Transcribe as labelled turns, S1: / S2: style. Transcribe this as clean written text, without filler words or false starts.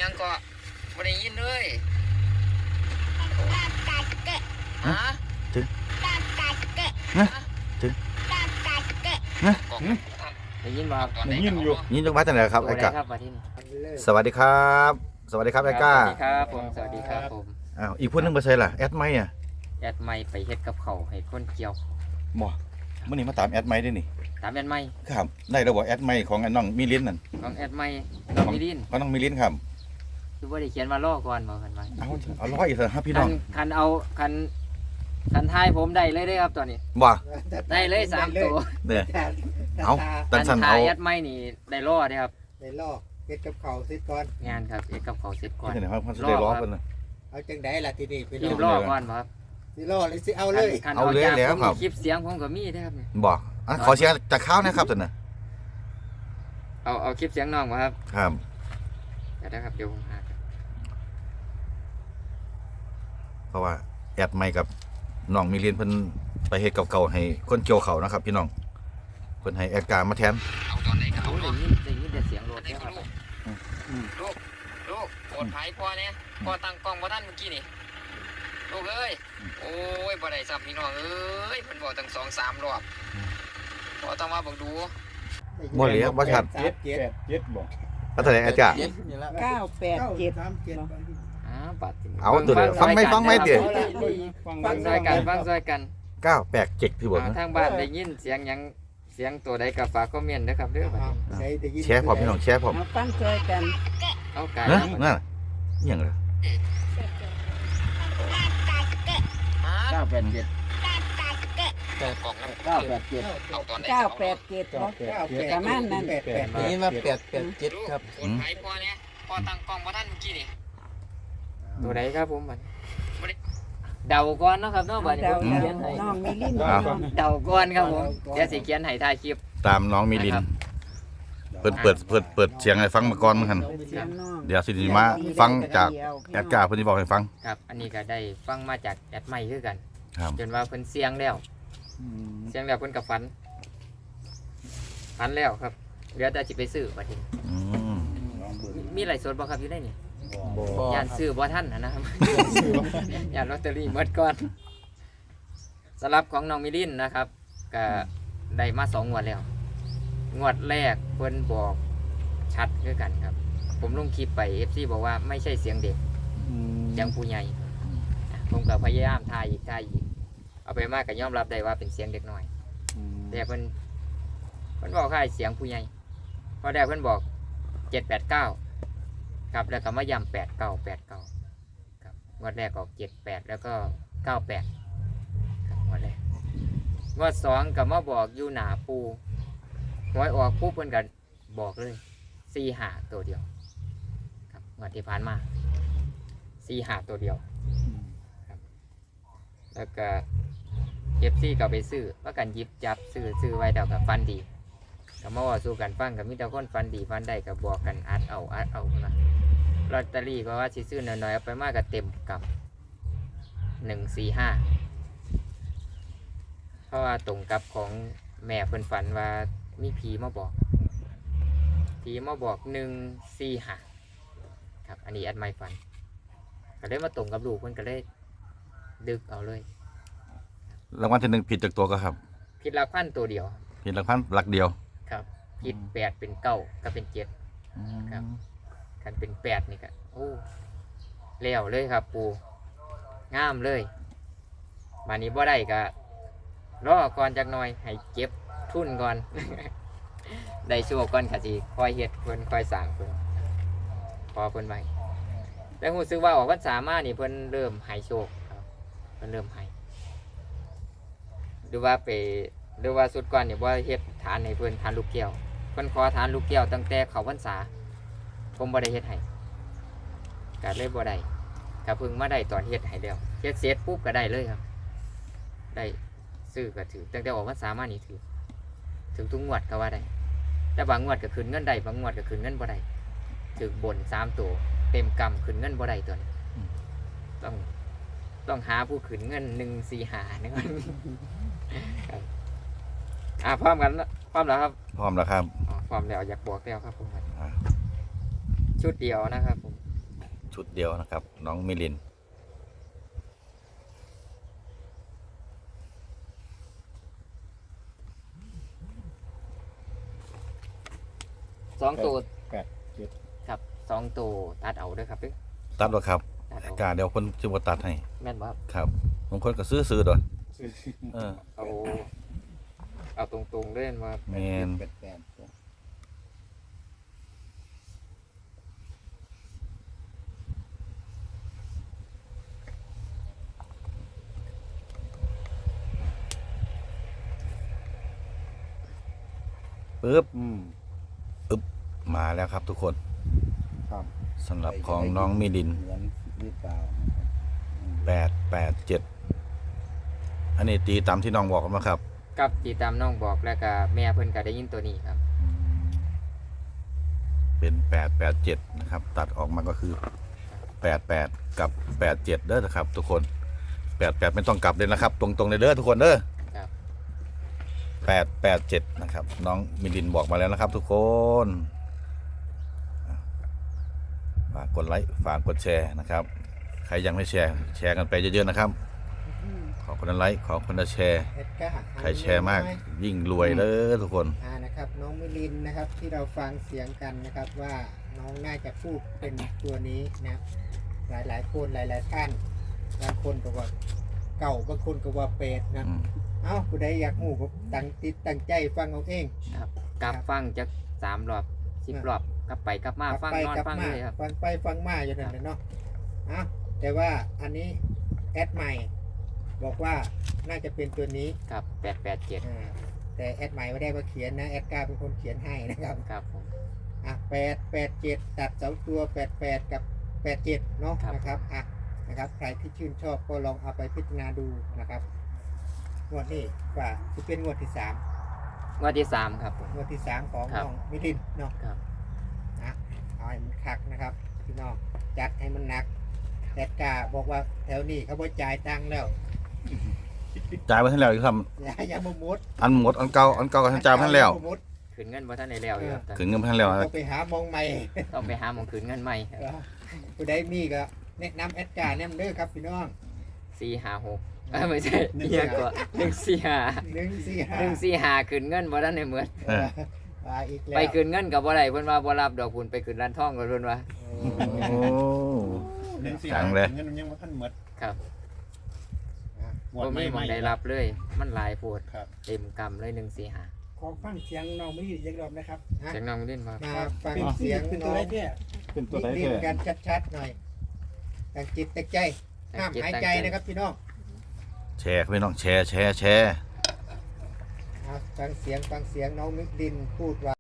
S1: ยังก็ไม่ได้ยินเลยฮะ
S2: ถึงถึง
S1: ได้ยินบ่ครับ
S3: ได้ยินอยู่
S2: นี่ต้องมาจากไหนครับไอ้กะ
S1: ครับมาที่นี่
S2: สวัสดีครับสวัสดีครับไอ้ก้า
S1: สวัสดีครับผมสวัสดีครับผม
S2: อ้าวอีกพูดนึงมาใช่ล่ะแอดไมค์อ่ะ
S1: แอดไม่ไปเฮ็ดกับเขาให้คนเกี่ยว
S2: บ่เมื่อนี้มาตามแอดไมค์ด้วยนี่
S1: ตามแอดไม่
S2: ครับได้แล้วบ่แอดไมค์ของไอ้น้องมิลินนั่น
S1: ของแอดไม่น้องมิลิน
S2: ของน้องมิลินครับ
S1: คือว่าได้เขียนมาล่อก่อนบอกกันไว้
S2: เอาร้อยอีกเถอะครับพี่น้อง
S1: คันเอาคันทายผมได้เลยครับตอนนี้
S2: บ่
S1: ได้เลย3ตัว
S2: เนี่ยเอาตันสัน
S1: ทา
S2: เอา
S1: ยแอดไม่นี่ได้ล่อเด้ครับ
S3: ได้ลอกเฮ็ดกับเขาวเสร็จก่อน
S1: งานครับเฮ็ดกับเขาเสร็จก่อน
S2: ที่ไหนครับมันจะได้ล้อกันนะ
S3: เอาจังไดล่ะทีนี้ไป
S1: รี
S3: ลอบ ก
S1: ล่อก่อนบ่ครับ
S3: สิลอกเลยสิเอาเลย
S1: คัน
S2: เอาเลย
S1: จาก
S2: แล้ว
S1: ผม
S2: ครับ
S1: คลิปเสียงผมก็มีเด้อครับเนี่ย
S2: บ่ขอเชียร์จากข้าวนะครับท่านน่ะ
S1: เอาคลิปเสียงน้องบ่ครับ
S2: ครับ
S1: เดี๋ยวนะครับเดี๋ยวผมหาครับ
S2: เพราะว่าแอดไมค์กับน้องมิลินเพิ่นไปเฮ็ดเก่าๆให้คนเกี่ยวเขานะครับพี่น้องเพิ่นให้แอดการมาแทน
S1: เอาตอนไหนก็เอาได้ยินแต่เสียงรถเนี่ยครับลูกปลอดภัยพ่อเนี่ยพ่อตั้งกล้องบ่ทันเมื่อกี้นี่ลูกเอ้ยโอ้ยบ่ได้ซ้ำพี่น้องเอ้ยเพิ่นบอกตั้ง2-3 รอบพ่อต้องมาเบิ่งดู
S2: บ่เหลียบ่ชัด
S3: เจ็ด
S2: ก็แสดงอาจารย์
S4: 987
S1: ปัด
S2: เอาตัวเดียวฟังไหมเดี๋ยว
S1: ฟังซอยกัน
S2: 987พี่บ่นะ
S1: ทางบ้านได้ยินเสียงหยังเสียงตัวใดก็ฝากคอมเมนต์นะครับเด้อบัดนี้
S3: ใช้ได้ยิน
S2: แชร์พร้อมพี่น้องแชร์พร้อม
S4: มาฟังช่วยกัน
S1: เอาไก่
S2: นะนั่นอิหยังล่ะ
S1: 987กล่อง987เอาตอนไหน
S4: 987เนาะ ประมาณนั้น
S1: นี่มา887ครับปลอดภัยพ่อเนี่ยพ่อตั้งกล้องบ่ทันเมื่อกี้นี่ตัวใดครับผมบัดเดาก่อนเนาะครับเนาะบัดนี้
S4: เดา
S1: ผมเขียนให้
S4: น้องมิลิน
S1: เดาก่อนครับผมเดี๋ยวสิเขียนให้ถ่ายคลิป
S2: ตามน้องมิลินเปิดเสียงให้ฟังมาก่อนมั้งคั่น
S4: เสียงน้อง
S2: เดี๋ยวสิมาฟังจากแอดการ์เพิ่นสิบอกให้ฟัง
S1: ครับ อันนี้ก็ได้ฟังมาจากแอดไมค์คือกัน
S2: ครับ
S1: จนว่าเพิ่นเสียงแล้วเสียงแล้วเพิ่นก็ฝันแล้วครับเหลือแต่สิไปซื้อบัดนี้
S2: อืม
S1: มีหลายส่วนบ่ครับอยู่ในนี่ย่านซื้อบ่ทันนะครับ ย่านลอตเตอรี่หมดก่อนสำหรับของน้องมิลินนะครับก็ได้มา2 งวดแล้ว งวดแรกเพิ่นบอกชัดคือกันครับ ผมลงคลิปไป FC บอกว่าไม่ใช่เสียงเด็กเสียงผู้ใหญ่ผมก็พยายามถ่ายอีกเอาไปมากก็ยอมรับได้ว่าเป็นเสียงเด็กน้อย แต่เพิ่นบอกค่ายเสียงผู้ใหญ่พอได้เพิ่นบอก789ครับแล้วก็มาย้ำ89ครับงวดแรกออก78แล้วก็98ครับงวดแรกงวด2ก็มาบอกอยู่หน้าปูหวยออกปุ๊บเพิ่นก็บอกเลย45ตัวเดียวครับงวดที่ผ่านมา45ตัวเดียวครับแล้วก็FCก็ไปซื้อว่ากันหยิบจับซื้อไว้เดี๋ยวกับฟันดีก็มาว่าสู้กันฟังกับมิตรคนฟันดีฟันได้ก็บอกกันอัดเอานะลอตเตอรี่ก็ว่าสิซื้อหน่อยๆเอาไปมากก็เต็มกับ145เพราะว่าตรงกับของแม่เพิ่นฝันว่ามีผีมาบอก145ครับอันนี้แอดไม่ฝันก็เลยมาตรงกับลูกเพิ่นก็เลยดึกเอาเลย
S2: รางวัลที่1ผิดจากตัวก็ครับ
S1: ผิดหลักพันตัวเดียว
S2: ผิดหลักพันหลักเดียว
S1: ครับผิด8เป็น9ก็เป็น7ครับคันเป็น8นี่ก็โอ้แล้วเลยครับปูงามเลยมานี้บ่ได้ก็รอก่อนจักหน่อยให้เก็บทุนก่อน ได้ชั่วก่อนก็สิคอยเฮ็ดเพิ่นคอยสร้างเพิ่นพอเพิ่นไว้แล้วรู้สึกว่าออกพรรษามานี่เพิ่นเริ่มให้โชคครับเพิ่นเริ่มให้หรือว่าสุดก่อนเนี่ยว่าเฮ็ดฐานให้เพิ่นฐานลูกแก้วเพิ่นขอฐานลูกแก้วตั้งแต่เข้าพรรษาผมบ่ได้เฮ็ดให้ก็เลยบ่ได้ก็เพิ่งมาได้ตอนเฮ็ดให้แล้วเฮ็ดเสร็จปุ๊บก็ได้เลยครับได้ซื้อก็ถือตั้งแต่ออกพรรษามานี่ถือทุกงวดก็ว่าได้แต่บางงวดก็คืนเงินได้บางงวดก็คืนเงินบ่ได้ถือบน3ตัวเต็มกำคืนเงินบ่ได้ตัวนี้ต้องหาผู้คืนเงิน145นะครับ พร้อมกันพร้อมแล้วครับ
S2: พร้อมแล้วครับ
S1: พร้อมแล้วอยากบอกแล้วครับผม
S2: อ่า
S1: ชุดเดียวนะครับผม
S2: ชุดเดียวนะครับ น้องมิลิน
S1: สองตัว
S3: แปดเจ็ด
S1: ครับสองตัวตัดเอาเด้วยครับเด้อ
S2: ตัดวะครับ
S1: ตัดเอา
S2: กาเดี๋ยวคนจะมาตัดให้
S1: แม่นบ่ครับ
S2: ครับบางคนก็ซื้อด้วยเออ
S1: เอาตรงๆเล่นว่า
S2: แมน
S3: แปดแปด
S2: ปึ๊บ
S3: อืม
S2: มาแล้วครับทุกคน
S3: ครับ
S2: สำหรับของน้องมิลิน
S3: เหมือนหรือเปล่า
S2: 887 อันนี้ตีตามที่น้องบอกมาครับ
S1: กับตีตามน้องบอกแล้วก็แม่เพิ่นก็ได้ยินตัวนี้ครับ
S2: เป็น 887 นะครับ ตัดออกมาก็คือ 88 กับ 87 เด้อนะครับ ทุกคน 88 ไม่ต้องกลับเลยนะครับ ตรงๆเลยเด้อทุกคนเด้อ
S1: ครับ
S2: 887 นะครับ น้องมิลินบอกมาแล้วนะครับ ทุกคน ฝากกดไลค์ฝากกดแชร์นะครับ ใครยังไม่แชร์แชร์กันไปเยอะๆนะครับ ขอคนละไลค์ขอคนละแชร์
S3: เอ็ดก้า
S2: ใครแชร์มากยิ่งรวยเลยทุกคน
S3: นะครับน้องมิลินนะครับที่เราฟังเสียงกันนะครับว่าน้องน่าจะพูดเป็นตัวนี้นะหลายคนหลายท่านบางคนก็ว่าเก่าบางคนก็ว่าเป็ดนะ เอ้าผู้ใดอยากหูก็ตั้งใจฟังเอาเอง
S1: ครับกลับฟังจาก3 รอบ 10 รอบกลับไปกลับมาฟังนอนฟังเลยครับ
S3: ฟังไปฟังมาอยู่นั่นแหละเนาะแต่ว่าอันนี้แอดใหม่บอกว่าน่าจะเป็นตัวนี้
S1: ครับ887
S3: แต่แอดใหม่ไม่ได้มาเขียนนะแอดกาเป็นคนเขียนให้นะครับ
S1: ครับผม
S3: 887ตัด2ตัว88กับ87เนาะ
S1: ครับ
S3: นะครับนะครับใครที่ชื่นชอบก็ลองเอาไปพิจารณาดูนะครับงวดนี้ว่าจะเป็นงวดที่3
S1: งวดที่ 3 ครับผม
S3: งวดที่3ของ
S1: ครับ
S3: น้องมิลินเนาะ
S1: ครับ
S3: เอาให้มันคักนะครับพี่น้องจัดให้มันหนักแอดกาบอกว่าแถวนี้เขาบ่จ่ายตังค์แล้ว
S2: จ่ายไปทั้งแล้วครับ
S3: อย่ามามุด
S2: อันหมดอันเก่าก็จ่ายไปทั้งแล้ว
S3: อย่ามามุด
S1: คืนเงินบ่ทันได้แล้วอยู่ครับ
S2: ถึงเงินไปทั้งแล้ว
S3: ต้องไปหามองใหม่
S1: ต้องไปหาหมองคืนเงินใหม่ครับ
S3: ผู้ใดมีก็แนะนำแอดการ์แนะนำเด้อครับพี่น้อง
S1: 456ไม่ใช่เอียกว่า145
S3: 145
S1: คืนเงินบ่ทันได้เหมือน
S2: เออ
S3: มาอีกแล้ว
S1: ไปคืนเงินกับบ่ได้เพิ่นว่าบ่รับดอกคุณไปคืนร้านทองก็เพิ่นว่า
S2: โอ้จังเลย
S5: เงินมันยังบ่ทันหมด
S1: ครับ
S5: งวด
S1: บ่
S5: ให
S1: มีหมองได้รับเลย มันหลายโพด
S5: ครับ
S1: เต็มกำเลย145
S6: ขอฟังเสียงน้องไม่ได้ยินรอบนะครับ
S1: เสียงน้องเล่นมา
S3: มาฟัง
S6: เป็น
S3: เสียง
S6: เป็น
S3: น้
S6: ตัว
S3: อง
S6: ไรเนี่ย
S5: เป็นตัวใด
S3: ดิ้
S5: แท้
S3: นกันชัดๆหน่อยตั้งจิตตั้งใจห้ามหายใจนะครับพี่น้อง
S2: แชร์พี่น้องแชร์
S3: ฟังเสียงน้องมิลินพูดว่า